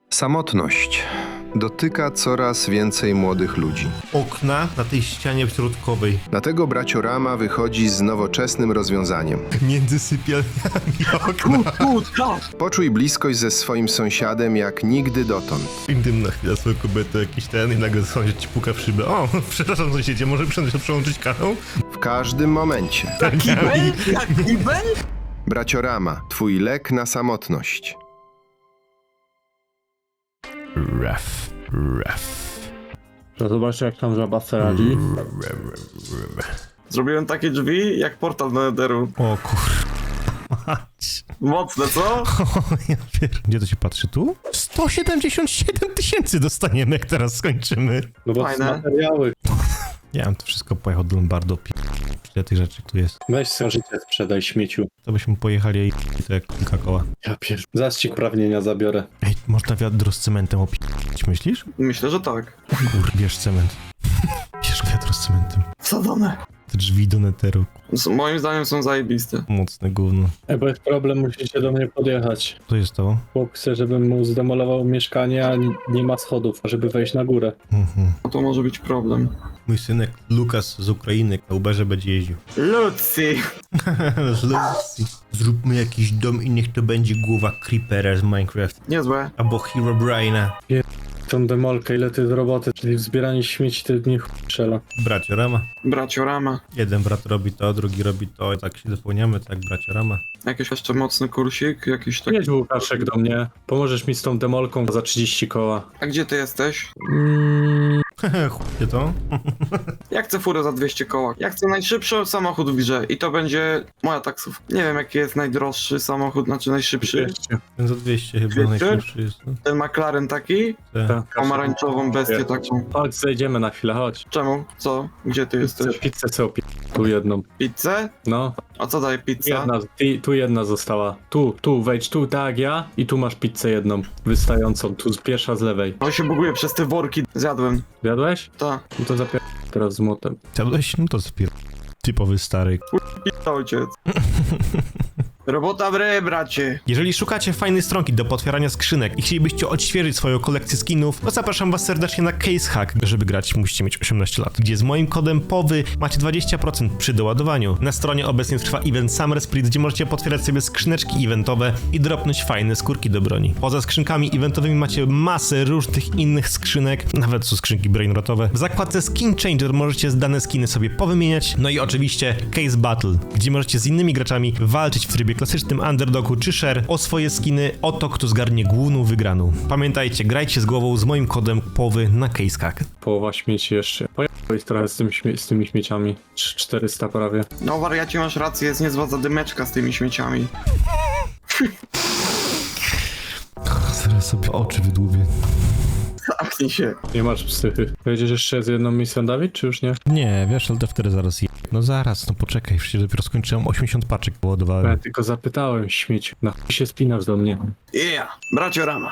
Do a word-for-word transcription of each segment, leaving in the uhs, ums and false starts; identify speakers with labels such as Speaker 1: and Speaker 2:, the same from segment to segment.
Speaker 1: Samotność dotyka coraz więcej młodych ludzi.
Speaker 2: Okna na tej ścianie środkowej.
Speaker 1: Dlatego bracio Rama wychodzi z nowoczesnym rozwiązaniem.
Speaker 2: Między sypialniami okna.
Speaker 1: Poczuj bliskość ze swoim sąsiadem jak nigdy dotąd.
Speaker 2: Intym na chwilę swoją kobietę jakiś ten i nagle sąsiad ci puka w szybę. O, przepraszam sąsiedzie, może przyjdę przełączyć kanał?
Speaker 1: W każdym momencie.
Speaker 3: Jaki bel? Jaki bel?
Speaker 1: Bracio Rama, twój lek na samotność.
Speaker 2: Ref, ref.
Speaker 4: To zobaczcie, jak tam żaba se radzi.
Speaker 3: Zrobiłem takie drzwi jak portal do Netheru.
Speaker 2: O kur... Mać.
Speaker 3: Mocne, co?
Speaker 2: O, ja pier... Gdzie to się patrzy tu? sto siedemdziesiąt siedem tysięcy dostaniemy, jak teraz skończymy.
Speaker 4: No bo
Speaker 3: Fajne.
Speaker 4: to materiały.
Speaker 2: Ja bym to wszystko pojechał do Lombardo, pi... Ile tych rzeczy tu jest.
Speaker 4: Weź sobie życie, sprzedaj śmieciu.
Speaker 2: To byśmy pojechali i to jak kilka koła.
Speaker 4: Ja pier... Zaraz ci uprawnienia zabiorę.
Speaker 2: Ej, można wiadro z cementem opi***ć, myślisz?
Speaker 3: Myślę, że tak.
Speaker 2: Kur, bierz cement. Bierz wiadro z cementem.
Speaker 3: Wsadzone.
Speaker 2: Te drzwi do Netheru.
Speaker 3: S- Moim zdaniem są zajebiste.
Speaker 2: Mocne gówno.
Speaker 4: Ej, bo jest problem, musicie do mnie podjechać.
Speaker 2: Co jest to?
Speaker 4: Chłop chce, żebym mu zdemolował mieszkanie, a nie, nie ma schodów, żeby wejść na górę.
Speaker 2: Mhm.
Speaker 3: No to może być problem.
Speaker 2: Mój synek Lukas z Ukrainy na Uberze będzie jeździł.
Speaker 3: Lucy!
Speaker 2: Lucy. Zróbmy jakiś dom i niech to będzie głowa Creepera z Minecraft.
Speaker 3: Niezłe.
Speaker 2: Albo Herobrina.
Speaker 4: Tą demolkę, ile ty z roboty, czyli w zbieraniu śmieci, to nie ch... strzela.
Speaker 2: Bracio Rama.
Speaker 3: Bracio Rama.
Speaker 2: Jeden brat robi to, drugi robi to. I tak się dopełniamy, tak bracio Rama.
Speaker 3: Jakiś jeszcze mocny kursik, jakiś taki...
Speaker 4: Jedź Łukaszek do mnie, pomożesz mi z tą demolką za trzydzieści koła.
Speaker 3: A gdzie ty jesteś?
Speaker 4: Mm,
Speaker 2: Chuje to?
Speaker 3: Ja chcę furę za dwieście koła. Ja chcę najszybszy samochód w grze i to będzie moja taksówka. Nie wiem jaki jest najdroższy samochód, znaczy najszybszy.
Speaker 4: dwieście.
Speaker 2: Ten za dwieście chyba
Speaker 3: dwieście?
Speaker 2: najszybszy jest. No.
Speaker 3: Ten McLaren taki,
Speaker 2: Te.
Speaker 4: Tak.
Speaker 3: pomarańczową bestię taką.
Speaker 4: Chodź, zejdziemy na chwilę, chodź.
Speaker 3: Czemu? Co? Gdzie ty jesteś?
Speaker 4: Pizzę sobie opi... tu jedną.
Speaker 3: Pizzę?
Speaker 4: No,
Speaker 3: A co daje pizza?
Speaker 4: jedna, ty, tu jedna została. Tu, tu, wejdź, tu, tak, ja. I tu masz pizzę jedną, wystającą, tu z pierwsza z lewej.
Speaker 3: On się buguje przez te worki. Zjadłem.
Speaker 4: Zjadłeś?
Speaker 3: Ta.
Speaker 4: No to zapier... teraz z młotem.
Speaker 2: Chciałbyś? No to spier... Typowy stary.
Speaker 3: P***a ojciec. Robota w ry, bracie.
Speaker 2: Jeżeli szukacie fajnej stronki do potwierania skrzynek i chcielibyście odświeżyć swoją kolekcję skinów, to zapraszam was serdecznie na CaseHack. Żeby grać, musicie mieć osiemnaście lat, gdzie z moim kodem POWY macie dwadzieścia procent przy doładowaniu. Na stronie obecnie trwa event Summer Split, gdzie możecie potwierać sobie skrzyneczki eventowe i dropnąć fajne skórki do broni. Poza skrzynkami eventowymi macie masę różnych innych skrzynek, nawet są skrzynki brainrotowe. W zakładce Skin Changer możecie dane skiny sobie powymieniać. No i oczywiście Case Battle, gdzie możecie z innymi graczami walczyć w trybie klasycznym, underdogu czy share o swoje skiny, o to, kto zgarnie główną wygraną. Pamiętajcie, grajcie z głową z moim kodem POWY na CaseHack.
Speaker 4: Połowa śmieci jeszcze. Pojechałeś trochę z, tym śmie- z tymi śmieciami. Trz- czterysta prawie.
Speaker 3: No wariacie, masz rację, jest niezła zadymeczka z tymi śmieciami.
Speaker 2: Zaraz sobie oczy wydłubię.
Speaker 3: Zamknij się.
Speaker 4: Nie masz psychy. Jedziesz jeszcze z jedną misją, Dawid, czy już nie?
Speaker 2: Nie, wiesz, ale to wtedy zaraz je... No zaraz, no poczekaj, przecież dopiero skończyłem osiemdziesiąt paczek poładowałem.
Speaker 4: Ja tylko zapytałem, śmieć. Na chuj się spinasz do mnie.
Speaker 3: Yeah, bracio Rama.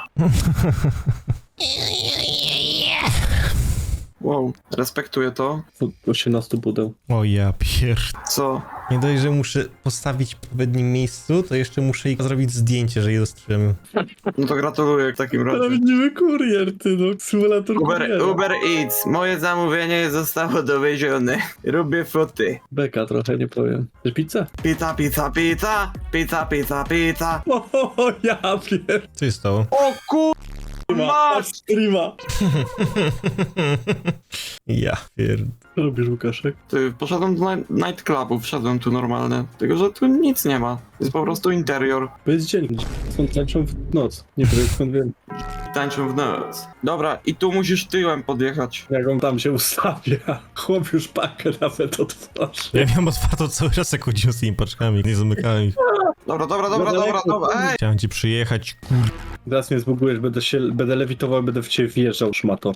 Speaker 3: Wow, respektuję to.
Speaker 4: osiemnaście pudeł.
Speaker 2: O ja pier...
Speaker 3: Co?
Speaker 2: Nie dość, że muszę postawić w odpowiednim miejscu, to jeszcze muszę jej zrobić zdjęcie, że je dostrzemy.
Speaker 3: No to gratuluję w takim razie.
Speaker 4: Prawdziwy kurier, ty no. Symulator
Speaker 3: Uber,
Speaker 4: kuriera.
Speaker 3: Uber Eats, moje zamówienie zostało dowiezione. Lubię foty.
Speaker 4: Beka trochę, nie powiem. Chcesz pizzę?
Speaker 3: Pizza, pizza, pizza, pizza, pizza, pizza.
Speaker 4: O, ja pier...
Speaker 2: Co jest to?
Speaker 3: O kur... Masz!
Speaker 4: Streama.
Speaker 2: Ja pier...
Speaker 4: Co robisz, Łukaszek?
Speaker 3: Ty, poszedłem do night- nightclubu, wszedłem tu normalnie. Tylko, że tu nic nie ma. Jest po prostu interior.
Speaker 4: To jest dzień. Są tańczą w noc. Nie wiem skąd wiem.
Speaker 3: Tańczą w noc. Dobra, i tu musisz tyłem podjechać.
Speaker 4: Jak on tam się ustawia. Chłop już pakę nawet otworzy.
Speaker 2: Ja miałem otwarto cały czas, jak chodziłem z tymi paczkami, nie zamykałem ich.
Speaker 3: Dobra, dobra, dobra,
Speaker 4: No
Speaker 3: dobra,
Speaker 4: daleko,
Speaker 3: dobra. Ej!
Speaker 2: Chciałem ci przyjechać, kur...
Speaker 4: Teraz mnie zbugujesz, będę się, będę lewitował, będę w ciebie wjeżdżał, szmato.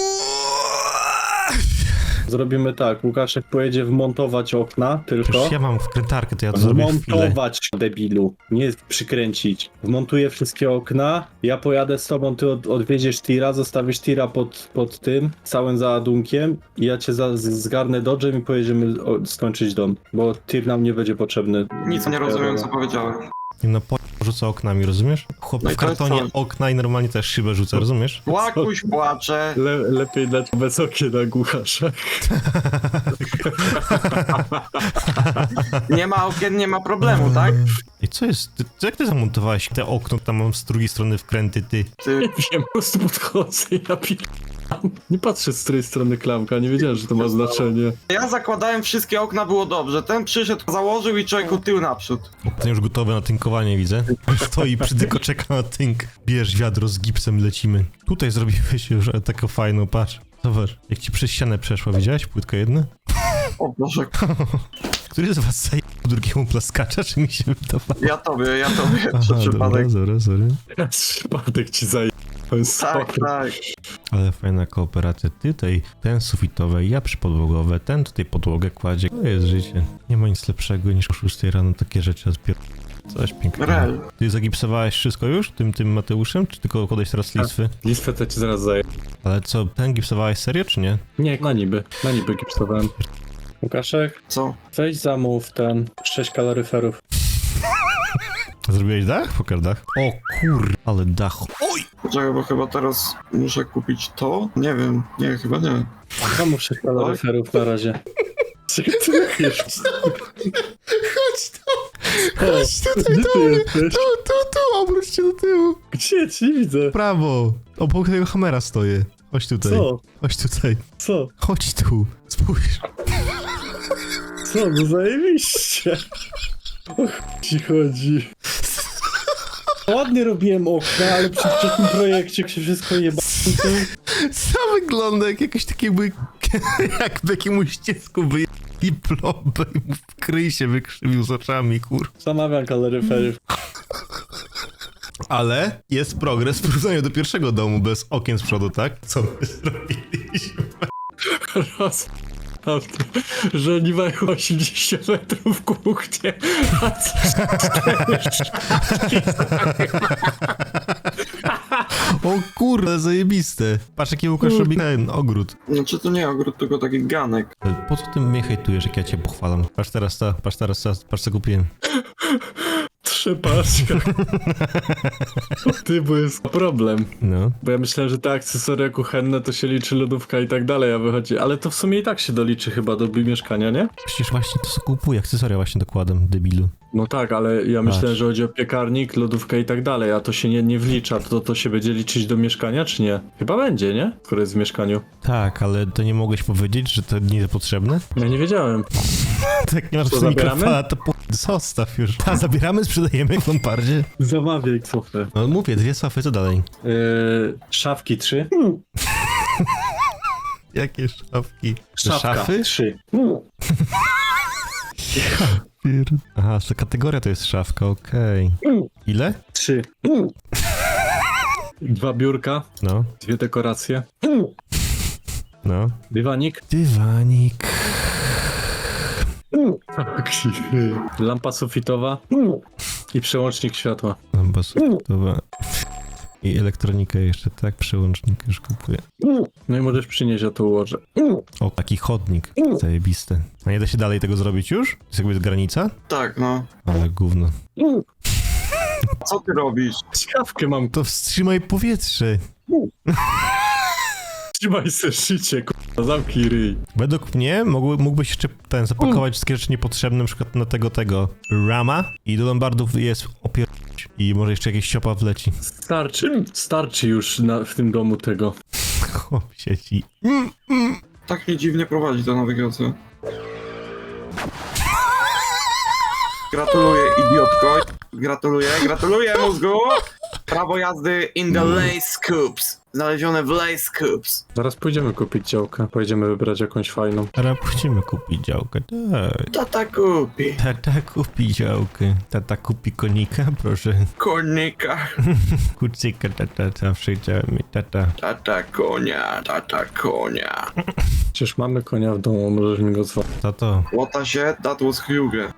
Speaker 4: Zrobimy tak, Łukaszek pojedzie wmontować okna, tylko.
Speaker 2: Przecież ja mam wkrętarkę, to ja to zrobię w chwilę.
Speaker 4: Wmontować, debilu, nie przykręcić. Wmontuję wszystkie okna, ja pojadę z tobą, ty od, odwiedziesz tira, zostawisz tira pod, pod tym, całym załadunkiem i ja cię za, z- zgarnę dodżem i pojedziemy o, skończyć dom, bo tir nam nie będzie potrzebny.
Speaker 3: Nic nie rozumiem, co powiedziałem.
Speaker 2: No po rzuca oknami, rozumiesz? Chłop
Speaker 3: No i
Speaker 2: w
Speaker 3: to jest
Speaker 2: kartonie
Speaker 3: coś.
Speaker 2: okna i normalnie też szybę rzuca, rozumiesz?
Speaker 3: Łakuś płacze.
Speaker 4: Le, lepiej dać bez okiena głuchasza.
Speaker 3: Nie ma okien, nie ma problemu, tak?
Speaker 2: I co jest? Ty, jak ty zamontowałeś te okno, tam mam z drugiej strony wkręty, ty?
Speaker 3: Ty,
Speaker 4: Wiem, po prostu podchodzę i ja pi... Nie patrzę z której strony klamka, nie wiedziałem, że to ma znaczenie.
Speaker 3: ja zakładałem wszystkie okna, było dobrze. Ten przyszedł, założył i człowieku tył naprzód.
Speaker 2: Ten już gotowy na tynkowanie, widzę. Stoi przy tylko czeka na tynk. Bierz wiadro z gipsem, lecimy. Tutaj zrobiłeś już ale taką fajną, patrz. Zobacz, jak ci przez ścianę przeszła, widziałeś? Płytko jedna?
Speaker 3: O Boże,
Speaker 2: Który z was zajebał drugiemu plaskacza, czy mi się wydawało?
Speaker 3: ja tobie, ja tobie,
Speaker 2: Aha,
Speaker 3: przez przypadek.
Speaker 2: dobra, sorry, sorry.
Speaker 4: Ja przypadek ci zajebałem,
Speaker 3: Tak, tak.
Speaker 2: Ale fajna kooperacja. Ty tutaj ten sufitowe, ja przypodłogowe, ten tutaj podłogę kładzie. To jest życie. Nie ma nic lepszego niż o szóstej rano takie rzeczy odpier... Coś pięknego.
Speaker 3: Rel.
Speaker 2: Ty zagipsowałeś wszystko już tym, tym Mateuszem, czy tylko podejść teraz listwy?
Speaker 4: Listwę to ci zaraz zaję.
Speaker 2: Ale co, ten gipsowałeś serio, czy nie?
Speaker 4: Nie, na niby, na niby gipsowałem. Łukaszek,
Speaker 3: Co?
Speaker 4: weź zamów ten sześć kaloryferów.
Speaker 2: Zrobiłeś dach? Pokaż dach. O kur... ale dach. Oj!
Speaker 3: Poczekaj, bo chyba teraz muszę kupić to? Nie wiem, nie, chyba nie.
Speaker 4: Zamów sześć kaloryferów na razie. Czekaj, ty jakiś.
Speaker 2: Chodź tu!
Speaker 4: Chodź
Speaker 2: tutaj
Speaker 4: gdzie
Speaker 2: do
Speaker 4: ty
Speaker 2: mnie.
Speaker 4: jesteś?
Speaker 2: Tu, tu, tu, obróć się do tyłu.
Speaker 4: Gdzie? Ci nie widzę.
Speaker 2: Prawo. Obok tego Hammera stoję. Chodź tutaj.
Speaker 4: Co?
Speaker 2: Chodź tutaj.
Speaker 4: Co?
Speaker 2: Chodź tu. Spójrz.
Speaker 4: Co? No zajebiście. O chuj ci chodzi. Ładnie robiłem okna, ale przy wczesnym projekcie się wszystko jebało.
Speaker 2: Sam wygląda jak jakiś taki jakby... jak w jakimś dziecku wyjęli plombę i mu w kryj się wykrzywił z oczami, kur...
Speaker 4: Zamawiam kaloryfery.
Speaker 2: Ale jest progres w porównaniu do pierwszego domu bez okien z przodu, tak? Co my zrobiliśmy?
Speaker 4: Raz. Że oni mają osiemdziesiąt metrów kuchnię, a co
Speaker 2: O kurde, zajebiste. Patrz jaki Łukasz robi ten ogród.
Speaker 3: Znaczy to nie ogród, tylko taki ganek.
Speaker 2: Po co ty mnie hejtujesz, jak ja cię pochwalam? Patrz teraz to, patrz teraz to, patrz co kupiłem.
Speaker 4: trzepaczka. Ty, bo jest problem.
Speaker 2: No.
Speaker 4: Bo ja myślałem, że te akcesoria kuchenne to się liczy lodówka i tak dalej, a wychodzi. Ale to w sumie i tak się doliczy chyba do mieszkania, nie?
Speaker 2: Przecież właśnie to co kupuję, akcesoria właśnie dokładam, debilu.
Speaker 4: No tak, ale ja myślałem,
Speaker 2: Patrz.
Speaker 4: że chodzi o piekarnik, lodówkę i tak dalej, a to się nie, nie wlicza. To, to się będzie liczyć do mieszkania, czy nie? Chyba będzie, nie? Skoro jest w mieszkaniu.
Speaker 2: Tak, ale to nie mogłeś powiedzieć, że to nie jest potrzebne?
Speaker 4: Ja nie wiedziałem.
Speaker 2: Tak nie masz
Speaker 4: Co,
Speaker 2: przy
Speaker 4: zabieramy?
Speaker 2: mikrofala, to po... zostaw już. A zabieramy, sprzedajemy w Lombardzie.
Speaker 4: Zamawiaj sofę.
Speaker 2: No mówię, dwie sofy, co dalej?
Speaker 4: Yy, szafki trzy.
Speaker 2: Jakie szafki?
Speaker 4: Szafka
Speaker 2: Szafy?
Speaker 4: trzy.
Speaker 2: Pier- Aha, to kategoria to jest szafka, okej. Ile?
Speaker 4: Trzy. Dwa biurka,
Speaker 2: No,
Speaker 4: dwie dekoracje,
Speaker 2: no.
Speaker 4: dywanik,
Speaker 2: Dywanik.
Speaker 4: lampa sufitowa i przełącznik światła.
Speaker 2: Lampa sufitowa. I elektronikę jeszcze, tak? Przełącznik już kupuję.
Speaker 4: No i możesz przynieść, ja to ułożę.
Speaker 2: O, taki chodnik. Zajebiste. A nie da się dalej tego zrobić już? To jest jakby granica?
Speaker 3: Tak, no.
Speaker 2: Ale gówno.
Speaker 3: Co ty robisz?
Speaker 4: Szafkę mam.
Speaker 2: To wstrzymaj powietrze.
Speaker 4: Trzymaj se szycie, k***a, zamknij ryj.
Speaker 2: Według mnie mógł, mógłbyś jeszcze ten zapakować wszystkie rzeczy niepotrzebne, na przykład na tego, tego Rama i do Lombardów jest opier... i może jeszcze jakieś siopa wleci.
Speaker 4: Starczy, starczy już na, w tym domu tego.
Speaker 2: Chłop sieci.
Speaker 3: Tak mnie dziwnie prowadzi ta nawigacja. Gratuluję, idiotko. Gratuluję, gratuluję, mózgu. Prawo jazdy in the Lace Scoops. Znalezione w Lace Scoops.
Speaker 4: Zaraz pójdziemy kupić działkę. Pojedziemy wybrać jakąś fajną.
Speaker 2: Teraz musimy kupić działkę, tak.
Speaker 3: Tata kupi.
Speaker 2: Tata kupi działkę. Tata kupi konika, proszę.
Speaker 3: Konika.
Speaker 2: Kucyka, tata, zawsze chciałem mieć tata.
Speaker 3: Tata konia, tata konia.
Speaker 4: Przecież mamy konia w domu, możesz mi go zwołać.
Speaker 2: Tato.
Speaker 3: Łota się, that was Hugo.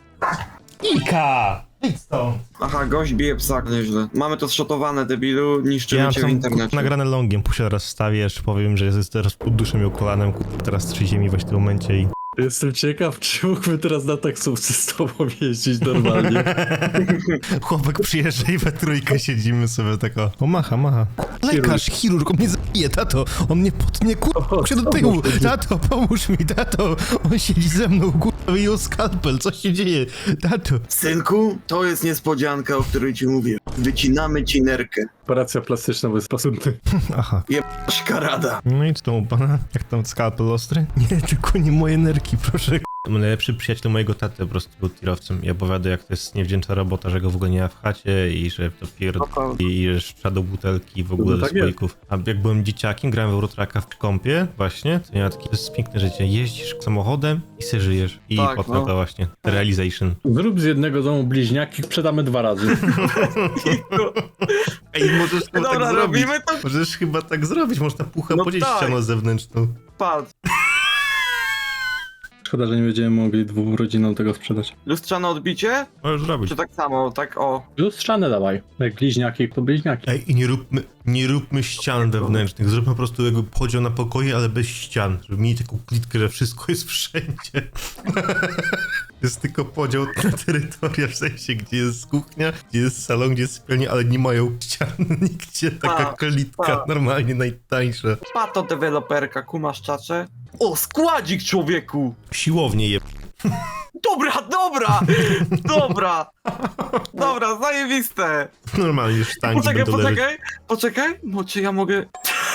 Speaker 2: Ika! Idź stąd.
Speaker 3: Aha, gość bije psa, nieźle. Mamy to zszotowane, debilu, niszczymy
Speaker 2: Ja mam
Speaker 3: cię w
Speaker 2: tam
Speaker 3: internecie.
Speaker 2: ku- nagrane longiem, później teraz wstawię, jeszcze powiem, że jest teraz pod duszem i kolanem, ku- teraz trzy ziemi właśnie w tym momencie i...
Speaker 4: Jestem ciekaw, czy mógłbym teraz na taksówce z tobą jeździć normalnie.
Speaker 2: Chłopak przyjeżdża i we trójkę siedzimy sobie tak o. O, macha, macha. Lekarz, chirurg, on mnie zabije, tato. On mnie potnie, kurwa, się do tyłu. Tato, pomóż mi, tato. On siedzi ze mną, kurwa, i o skalpel. Co się dzieje? Tato.
Speaker 3: Synku, to jest niespodzianka, o której ci mówię. Wycinamy ci nerkę.
Speaker 4: Operacja plastyczna bez pasunty.
Speaker 2: Aha.
Speaker 3: Szkarada.
Speaker 2: No i co tam u pana? Jak tam skalpel ostry? Nie, tylko nie moje nerki, proszę. Najlepszy przyjaciel mojego taty po prostu był tirowcem i opowiada, jak to jest niewdzięczna robota, że go w ogóle nie ma w chacie i że to pierdoli i że szcza do butelki i w ogóle
Speaker 4: No
Speaker 2: do
Speaker 4: tak jest.
Speaker 2: słoików. A jak byłem dzieciakiem, grałem w Eurotracka w kąpie właśnie, to ja takie, to jest piękne życie. Jeździsz samochodem i se żyjesz. I
Speaker 3: Tak,
Speaker 2: potem
Speaker 3: no.
Speaker 2: to właśnie realization.
Speaker 4: Zrób z jednego domu bliźniaki, sprzedamy dwa razy.
Speaker 2: Ej, możesz chyba
Speaker 3: Dobra,
Speaker 2: tak zrobić.
Speaker 3: robimy to?
Speaker 2: Możesz chyba tak zrobić, można puchę
Speaker 3: No
Speaker 2: podzielić
Speaker 3: tak.
Speaker 2: ścianą zewnętrzną.
Speaker 3: Patrz.
Speaker 4: Szkoda, że nie będziemy mogli dwóm rodzinom tego sprzedać.
Speaker 3: Lustrzane odbicie?
Speaker 2: Możesz zrobić.
Speaker 3: Czy tak samo, tak o.
Speaker 4: Lustrzane dawaj. Jak bliźniaki, to bliźniaki.
Speaker 2: Ej, i nie róbmy, nie róbmy ścian wewnętrznych, zróbmy po prostu jakby podział na pokoje, ale bez ścian, żeby mieli taką klitkę, że wszystko jest wszędzie. Jest tylko podział na terytoria, w sensie, gdzie jest kuchnia, gdzie jest salon, gdzie jest sypialnia, ale nie mają ścian nigdzie, taka
Speaker 3: Pa,
Speaker 2: klitka
Speaker 3: pa.
Speaker 2: normalnie najtańsza.
Speaker 3: Pato deweloperka, kumasz czacze? O, składzik, człowieku!
Speaker 2: Siłownie je...
Speaker 3: Dobra, dobra! Dobra! Dobra, zajebiste!
Speaker 2: Normalnie już sztangi
Speaker 3: Poczekaj,
Speaker 2: będą leżeć.
Speaker 3: poczekaj, poczekaj, no czy ja mogę...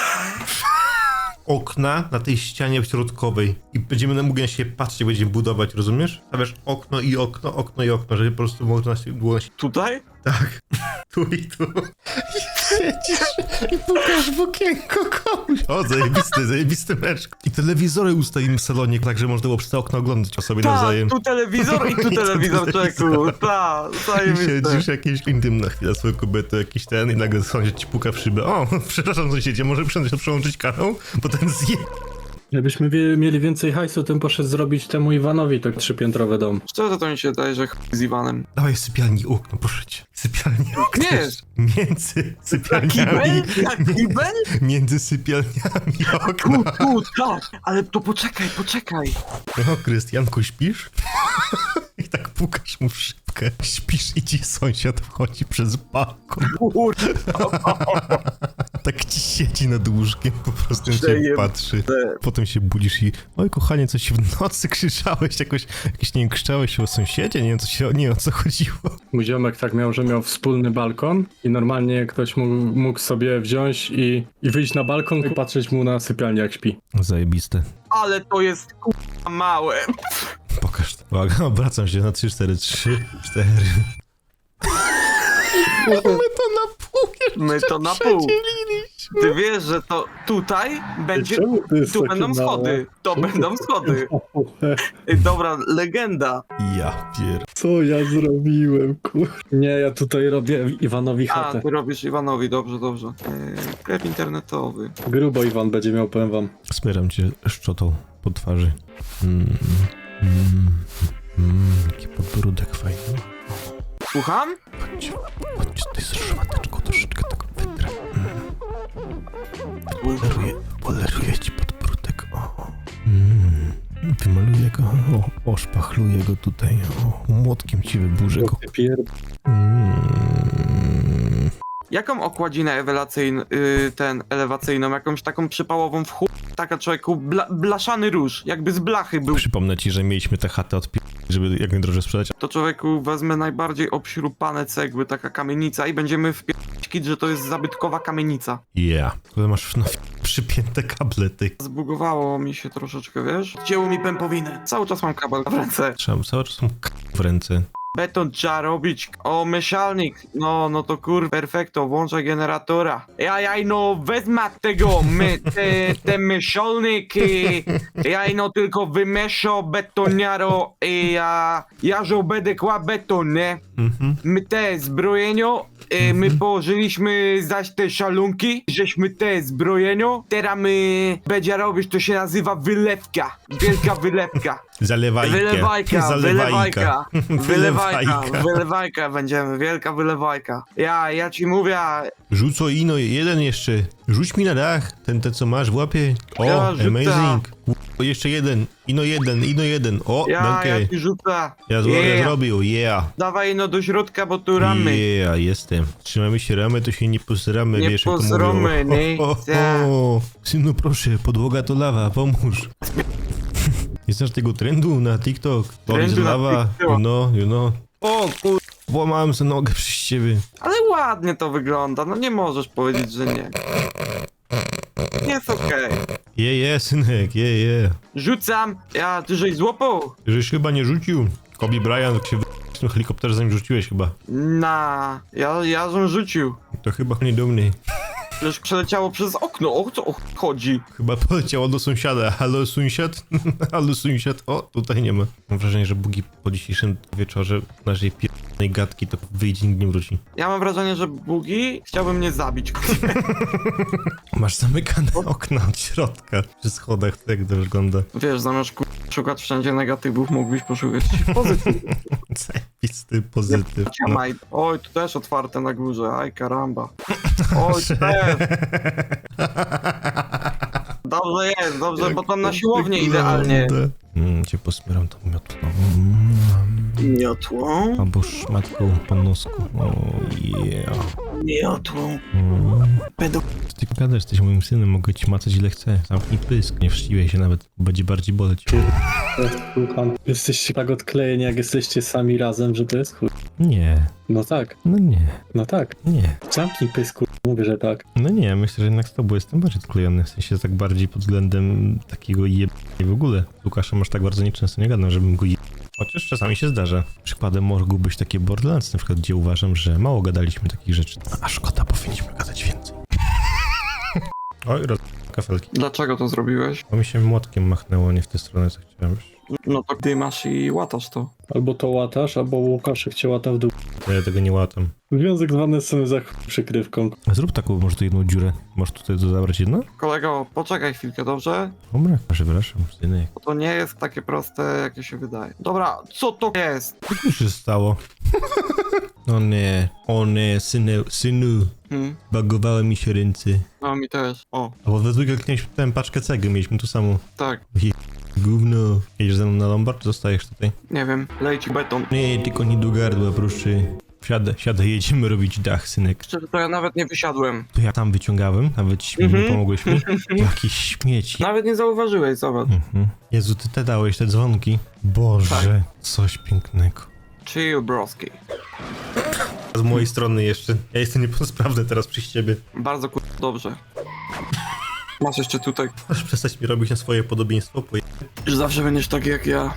Speaker 2: Okna na tej ścianie środkowej i będziemy mogli na siebie patrzeć, jak będziemy budować, rozumiesz? Stawiasz okno i okno, okno i okno, żeby po prostu można się było na siebie...
Speaker 3: Tutaj?
Speaker 2: Tak, tu i tu. I siedzisz i pukasz w okienko komuś. O, zajebisty, zajebisty mecz. I telewizory ustawimy w salonie, tak, że można było przez te okno oglądać o sobie
Speaker 3: Tak,
Speaker 2: nawzajem.
Speaker 3: tu telewizor i tu telewizor, człowieku, tak,
Speaker 2: I
Speaker 3: zajebiste.
Speaker 2: siedzisz jakieś intymna chwila swoją kobietę, jakiś ten i nagle sąsiad ci puka w szybę. O, przepraszam sąsiedzie, może przyjdę przełączyć kanał, bo ten zje...
Speaker 4: Gdybyśmy wie, mieli więcej hajsu, tym poszedł zrobić temu Iwanowi tak trzypiętrowy dom.
Speaker 3: Szczerze to mi się wydaje, że ch... z Iwanem.
Speaker 2: Dawaj sypialni okno, proszę cię. Sypialni okno.
Speaker 3: Nie jest.
Speaker 2: Między sypialniami.
Speaker 3: Kibel? Jak kibel?
Speaker 2: Między sypialniami
Speaker 3: Tu,
Speaker 2: okna.
Speaker 3: tu, tak, ale to poczekaj, poczekaj.
Speaker 2: No, Krystianku, śpisz? I tak pukasz mu w szybkę. Śpisz i ci sąsiad wchodzi przez balkon. Tak ci siedzi nad łóżkiem, po prostu na ciebie
Speaker 3: Przejem-
Speaker 2: patrzy. Potem się budzisz i oj kochanie, coś w nocy krzyczałeś, jakoś, jakiś, nie wiem, krzyczałeś o sąsiedzie, nie wiem, co się, nie wiem, o co chodziło.
Speaker 4: Mój ziomek tak miał, że miał wspólny balkon i normalnie ktoś mógł, mógł sobie wziąć i, i wyjść na balkon i patrzeć mu na sypialnię jak śpi.
Speaker 2: Zajebiste.
Speaker 3: Ale to jest k***a małe.
Speaker 2: Pokaż to. Uwaga, obracam się na trzy, cztery, trzy, cztery. My to na pół jeszcze
Speaker 3: My to na pół.
Speaker 2: przedzieliliśmy.
Speaker 3: Ty wiesz, że to tutaj będzie...
Speaker 4: Czemu to jest
Speaker 3: Tu
Speaker 4: takie
Speaker 3: będą
Speaker 4: małe?
Speaker 3: schody. To
Speaker 4: Czemu
Speaker 3: będą
Speaker 4: to-
Speaker 3: schody. Ej, dobra, legenda.
Speaker 2: Ja pier...
Speaker 4: Co ja zrobiłem, kur... Nie, ja tutaj robię Iwanowi
Speaker 3: A,
Speaker 4: chatę.
Speaker 3: ty robisz Iwanowi, dobrze, dobrze. Eee, sklep internetowy.
Speaker 4: Grubo Iwan będzie miał, powiem wam.
Speaker 2: Smieram cię szczotą po twarzy. Mm, mm, mm, jaki podbródek fajny.
Speaker 3: Słucham?
Speaker 2: Chodź, chodź tutaj z szmateczką troszeczkę tego wytrę. Mm. Poleruję, poleruję ci podbródek. O. Mm. Wymaluję go, o, oszpachluję go tutaj, o, młotkiem ci wyburzę go.
Speaker 4: Pier...
Speaker 2: Mm.
Speaker 3: Jaką okładzinę ewelacyjn, yy, ten, elewacyjną, jakąś taką przypałową w chuj, taka człowieku, bla, blaszany róż, jakby z blachy był.
Speaker 2: Przypomnę ci, że mieliśmy tę chatę od pi... żeby jak najdrożej sprzedać.
Speaker 3: To człowieku wezmę najbardziej obśrupane cegły, taka kamienica i będziemy wpierać kit, że to jest zabytkowa kamienica.
Speaker 2: Yeah. Ale masz na przypięte kable, ty.
Speaker 3: Zbugowało mi się troszeczkę, wiesz? Cięło mi pępowinę. Cały czas mam kabel w ręce.
Speaker 2: Trzeba cały czas mam k... w ręce.
Speaker 3: Beton trzeba robić. O, myszalnik. No, no to kur... Perfekto, włączę generatora. Ja, ja, no, wezmę tego, my, te, te myszalnik i ja, no, tylko wymeszą betoniaro i ja, ja, że będę kła beton, nie?
Speaker 2: Mhm.
Speaker 3: My te zbrojenio, e, my położyliśmy zaś te szalunki, żeśmy te zbrojenio, teraz my będzie robić, to się nazywa wylewka, wielka wylewka.
Speaker 2: Zalewajkę.
Speaker 3: Wylewajka, wylewajka, wylewajka,
Speaker 2: Wylewajka.
Speaker 3: wylewajka będziemy, wielka wylewajka. Ja, ja ci mówię,
Speaker 2: Rzuco ino, jeden jeszcze. Rzuć mi na dach, ten, ten co masz w łapie. O,
Speaker 3: Ja rzucę.
Speaker 2: amazing. O, jeszcze jeden, ino jeden, ino jeden. O,
Speaker 3: Ja,
Speaker 2: okej.
Speaker 3: ja ci rzucę.
Speaker 2: Ja, zło- ja
Speaker 3: Yeah.
Speaker 2: zrobił, yeah.
Speaker 3: Dawaj no do środka, bo tu ramy.
Speaker 2: Yeah, jestem. Trzymamy się ramy, to się nie posramy,
Speaker 3: Nie
Speaker 2: wiesz jak to
Speaker 3: posramy,
Speaker 2: mówią.
Speaker 3: nie?
Speaker 2: O, o, o. Synu, proszę, podłoga to lawa, pomóż. Nie znasz tego trendu na TikTok? Powiedz
Speaker 3: Trendu na
Speaker 2: lawa,
Speaker 3: TikTok.
Speaker 2: you know, you know. O kur... Łamałem sobie nogę przez ciebie.
Speaker 3: Ale ładnie to wygląda, no nie możesz powiedzieć, że nie. Jest okej.
Speaker 2: Je, je, synek, je, je.
Speaker 3: Rzucam, ja, ty żeś złapał?
Speaker 2: Żeś chyba nie rzucił. Kobe Bryant się w tym helikopterze zanim rzuciłeś chyba.
Speaker 3: Na, ja, ja żem rzucił.
Speaker 2: To chyba nie do mnie.
Speaker 3: Przecież przeleciało przez okno, o co chodzi?
Speaker 2: Chyba poleciało do sąsiada. Halo sąsiad? Halo sąsiad? O, tutaj nie ma. Mam wrażenie, że Bugi po dzisiejszym wieczorze naszej pierdolnej gadki to wyjdzie i nigdy nie wróci.
Speaker 3: Ja mam wrażenie, że Bugi chciałby mnie zabić.
Speaker 2: Masz zamykane okna od środka przy schodach, tak to wygląda.
Speaker 3: Wiesz, zamiast ku... szukać wszędzie negatywów, mógłbyś poszukać pozytywów.
Speaker 2: Zajebisty pozytyw. No.
Speaker 3: Maj. Oj, tu też otwarte na górze, aj karamba. Oj, tu też. Dobrze jest, dobrze, bo tam na siłownię idealnie.
Speaker 2: Mm, cię posmieram tą miotłą.
Speaker 3: Miotłą?
Speaker 2: Albo szmatką po nosku. O yeah.
Speaker 3: Miotłą.
Speaker 2: Mm.
Speaker 3: Będą...
Speaker 2: Co ty gadasz? Jesteś moim synem, mogę ci macać ile chcę. Zamknij pysk, nie wszciłeś się nawet. Będzie bardziej boleć.
Speaker 4: Słucham. Jesteście tak odklejeni, jak jesteście sami razem, że to jest chuj.
Speaker 2: Nie.
Speaker 4: No tak,
Speaker 2: No nie.
Speaker 4: no tak.
Speaker 2: Nie.
Speaker 4: Zamknij pysku, mówię, że tak.
Speaker 2: No nie, myślę, że jednak z tobą jestem bardziej odklejony. W sensie tak bardziej pod względem takiego jeb... w ogóle. Z Łukaszem aż tak bardzo nieczęsto nie gadam, żebym go je... Chociaż czasami się zdarza. Przykładem mógłby być takie Borderlands, na przykład, gdzie uważam, że mało gadaliśmy takich rzeczy. A szkoda, powinniśmy gadać więcej. Oj, roz... kafelki.
Speaker 3: Dlaczego to zrobiłeś?
Speaker 2: Bo mi się młotkiem machnęło, nie w tę stronę, co chciałem.
Speaker 3: No to dymasz i łatasz to.
Speaker 4: Albo to łatasz, albo Łukaszek cię łata w dół.
Speaker 2: To ja tego nie łatam.
Speaker 4: Związek zwany sobie za chuj przykrywką.
Speaker 2: Zrób taką, może tu jedną dziurę. Możesz tutaj to zabrać jedno?
Speaker 3: Kolego, poczekaj chwilkę, dobrze?
Speaker 2: Dobra, przepraszam, synek.
Speaker 3: Bo to nie jest takie proste, jakie się wydaje. Dobra, co to jest?
Speaker 2: Co się stało? O nie, o nie, synu, synu.
Speaker 3: Hmm?
Speaker 2: Bagowały mi się ręce.
Speaker 3: No mi też. O,
Speaker 2: A bo we dwójkę kliknęliśmy tę paczkę cegły, mieliśmy tu samą.
Speaker 3: tak.
Speaker 2: Gówno. Jedziesz ze mną na Lombard, czy zostajesz tutaj?
Speaker 3: Nie wiem, lej ci beton.
Speaker 2: Nie, tylko nie do gardła, proszę. Siadaj, siadaj, jedziemy robić dach, synek.
Speaker 3: Szczerze, to ja nawet nie wysiadłem.
Speaker 2: To ja tam wyciągałem, nawet ci mi nie
Speaker 3: Mhm.
Speaker 2: pomogłeś mi. Jakieś śmieci.
Speaker 3: Nawet nie zauważyłeś, zobacz.
Speaker 2: Mhm. Jezu, ty te dałeś, te dzwonki. Boże, coś pięknego.
Speaker 3: Chill, broski.
Speaker 2: Z mojej strony jeszcze. Ja jestem niepełnosprawny teraz przy ciebie.
Speaker 3: Bardzo kur... dobrze. Masz jeszcze tutaj.
Speaker 2: Możesz przestać mi robić na swoje podobieństwo, bo ja
Speaker 3: Już zawsze będziesz taki jak ja.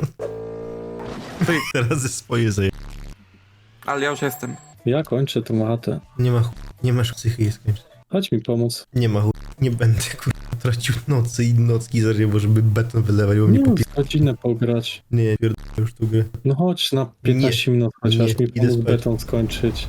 Speaker 2: teraz ze swoje zaje...
Speaker 3: Ale ja już jestem.
Speaker 4: Ja kończę tą chatę.
Speaker 2: Nie ma ch... nie masz psychy je skończyć.
Speaker 4: Chodź mi pomóc.
Speaker 2: Nie ma ch... nie będę kurwa tracił nocy i nocki za bo żeby beton wylewać, bo mnie
Speaker 4: Nie,
Speaker 2: popie...
Speaker 4: z godzinę pograć.
Speaker 2: Nie, pierdolę już tu grę.
Speaker 4: No chodź na piętnaście minut, chociaż
Speaker 2: Nie,
Speaker 4: mi
Speaker 2: idę
Speaker 4: pomóc
Speaker 2: spać.
Speaker 4: beton skończyć.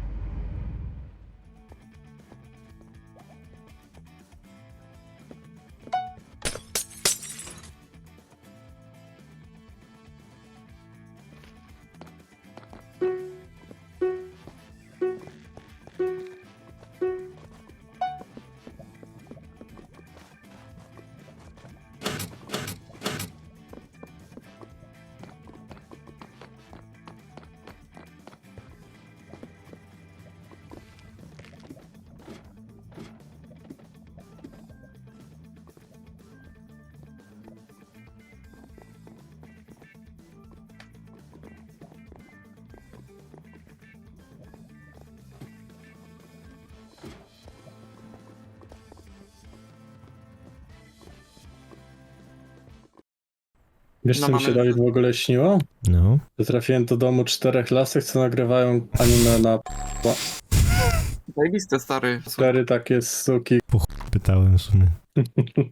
Speaker 4: Wiesz,
Speaker 3: No
Speaker 4: co mi
Speaker 3: mamy-
Speaker 4: się Dawid w ogóle śniło?
Speaker 2: No.
Speaker 4: Że trafiłem do domu czterech lasek, co nagrywają anime na
Speaker 3: Zajebiste, stary.
Speaker 4: cztery takie suki.
Speaker 2: Pytałem w sumie.